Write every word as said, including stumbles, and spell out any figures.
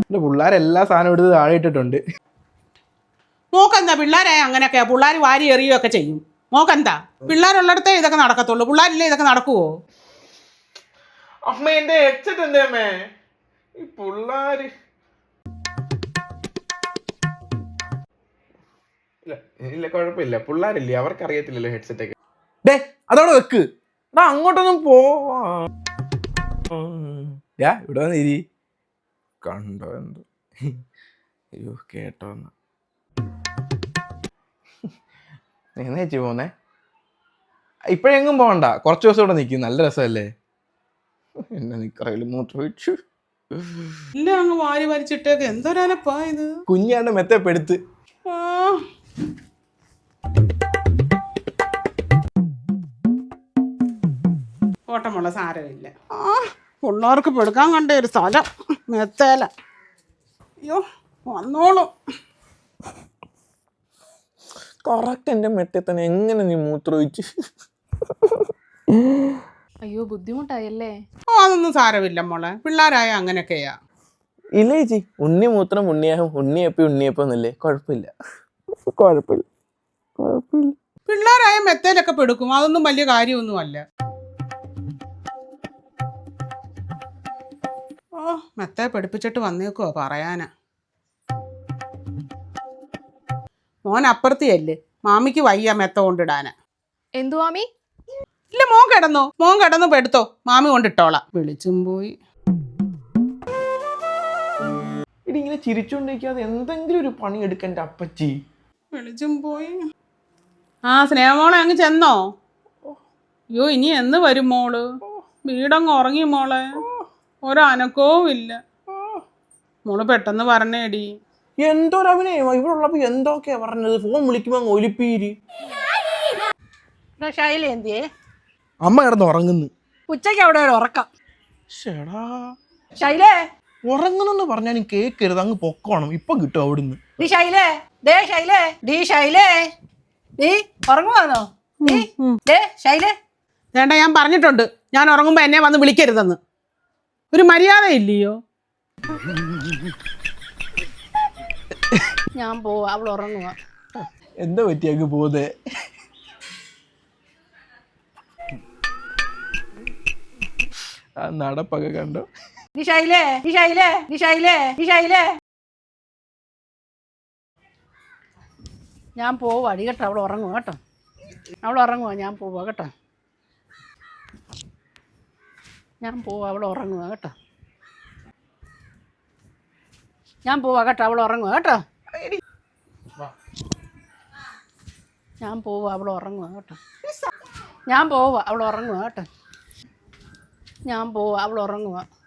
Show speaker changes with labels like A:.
A: എൻ്റെ പിള്ളേരെല്ലാ സാധനം എടുത്ത് താഴെ ഇട്ടിട്ടുണ്ട്.
B: മോക്കെന്താ പിള്ളേരായ അങ്ങനെയൊക്കെയാ, പിള്ളേർ വാരി എറിയുകയൊക്കെ ചെയ്യും. മോക്കെന്താ പിള്ളേരുള്ളിടത്തേ ഇതൊക്കെ നടക്കത്തുള്ളൂ, പിള്ളേരില്ലേ ഇതൊക്കെ നടക്കുവോ?
A: അമ്മ എന്റെ ഹെഡ്സെറ്റ് എന്തേ അമ്മേ? ഈ പിള്ളേര് ഇല്ല ഇല്ല കുഴപ്പമില്ല, പിള്ളേരില്ലേ അവർക്ക് അറിയത്തില്ലല്ലോ ഹെഡ്സെറ്റ് ഒക്കെ. ഡേ അതോടെ വെക്ക്, എടാ അങ്ങോട്ടൊന്നും പോവാ. ഇവിടെ വന്ന് ഇരി, കണ്ടോ എന്തോ. അയ്യോ കേട്ടോ എന്നാ എന്നാ ചേച്ചി പോന്നേ? ഇപ്പഴെങ്ങും പോകണ്ട, കുറച്ച് ദിവസം ഇവിടെ നിൽക്കും, നല്ല രസമല്ലേ. എന്നെ നിക്കറയില് മൂത്രം ഒഴിച്ചു.
B: ഇല്ല അങ്ങ് വാരി വലിച്ചിട്ടേക്ക്, എന്തൊരലപ്പാ ഇത്.
A: കുഞ്ഞാണ്ട് മെത്തെ പെടുത്ത്.
B: ഓട്ടമുള്ള സാരമില്ല. ആ പിള്ളേർക്ക് പെടുക്കാൻ കണ്ട ഒരു സ്ഥലം മെത്തേല. അയ്യോ വന്നോളൂ.
A: കറക്റ്റ് എൻ്റെ മെത്തെ തന്നെ എങ്ങനെ നീ മൂത്രം ഒഴിച്ച്?
C: അയ്യോ ബുദ്ധിമുട്ടായല്ലേ?
B: ഓ അതൊന്നും സാരമില്ല മോളെ, പിള്ളേരായ അങ്ങനെയൊക്കെയാ.
A: ഇല്ല ചേച്ചി, ഉണ്ണി മൂത്രം ഉണ്ണിയാകും, ഉണ്ണിയപ്പി ഉണ്ണിയപ്പം എന്നല്ലേ, കുഴപ്പമില്ല കുഴപ്പമില്ല കുഴപ്പമില്ല.
B: പിള്ളേരായ മെത്തേലൊക്കെ പെടുക്കും, അതൊന്നും വലിയ കാര്യമൊന്നും അല്ല. ഓ മെത്തേ പഠിപ്പിച്ചിട്ട് വന്നേക്കുവോ പറയാനാ. മോൻ അപ്പുറത്തിയല്ലേ, മാമിക്ക് വയ്യ മെത്ത കൊണ്ടിടാനാ.
C: എന്തു മാമി?
B: ഇല്ല മോൻ കിടന്നോ, മോൻ കിടന്നു പെടുത്തോ, മാമി കൊണ്ടിട്ടോളാം. വിളിച്ചും പോയി.
A: ഇടി ഇങ്ങനെ ചിരിച്ചോണ്ടിരിക്കാതെ എന്തെങ്കിലും ഒരു പണി എടുക്കണ്ട അപ്പച്ചി.
B: വിളിച്ചും പോയി. ആ സ്നേഹമോളെ അങ്ങ് ചെന്നോ? അയ്യോ ഇനി എന്ന് വരും മോള്? വീടങ്ങ് ഉറങ്ങി മോളെ, ഒരനക്കവും ഇല്ല. മോള് പെട്ടെന്ന് പറഞ്ഞേടി.
A: എന്തോരവനെ ഇവിടെ ഉള്ളപ്പോ എന്തൊക്കെയാ പറഞ്ഞത്, ഫോൺ വിളിക്കുമ്പോ അങ്ങ് ഒലിപ്പീര്.
D: ശൈല എന്തിയേ?
A: അമ്മ കിടന്ന് ഉറങ്ങുന്നു.
D: ഉച്ചയ്ക്ക് അവിടെ ഒരു ഉറക്കം.
A: ശടാ
D: ശൈലേ
A: ഉറങ്ങുന്നെന്ന് പറഞ്ഞാൽ കേക്കരുത്, അങ്ങ് പൊക്കോണം, ഇപ്പം കിട്ടും അവിടുന്ന്.
D: ഡി ശൈലേ, ദേ ശൈലേ, ഡി ശൈലേ, നീ ഉറങ്ങുവാന്നോ? ദേ ശൈലേ,
B: വേണ്ട ഞാൻ പറഞ്ഞിട്ടുണ്ട്, ഞാൻ ഉറങ്ങുമ്പോ എന്നെ വന്ന് വിളിക്കരുതെന്ന്. ഒരു മര്യാദ ഇല്ലയോ?
D: ഞാൻ പോവാ, അവൾ ഉറങ്ങുക.
A: എന്താ പറ്റി അങ്ങ് പോതേ? ആ നടപ്പൊക്കെ കണ്ടോ?
D: ഡി ശൈലേ, ഡി ശൈലേ, ഡി ശൈലേ, ഡി ശൈലേ, ഞാൻ പോവാ അടി കേട്ടോ, അവൾ ഉറങ്ങുക കേട്ടോ, അവൾ ഉറങ്ങുക, ഞാൻ പോവാ കേട്ടോ, ഞാൻ പോവാ അവൾ ഉറങ്ങുക കേട്ടോ, ഞാൻ പോവാ കേട്ടോ, അവൾ ഉറങ്ങുക കേട്ടോ, ഞാൻ പോവാ അവൾ ഉറങ്ങുക കേട്ടോ, ഞാൻ പോവാ അവൾ ഉറങ്ങുക കേട്ടോ, ഞാൻ പോവാ അവൾ ഉറങ്ങുക.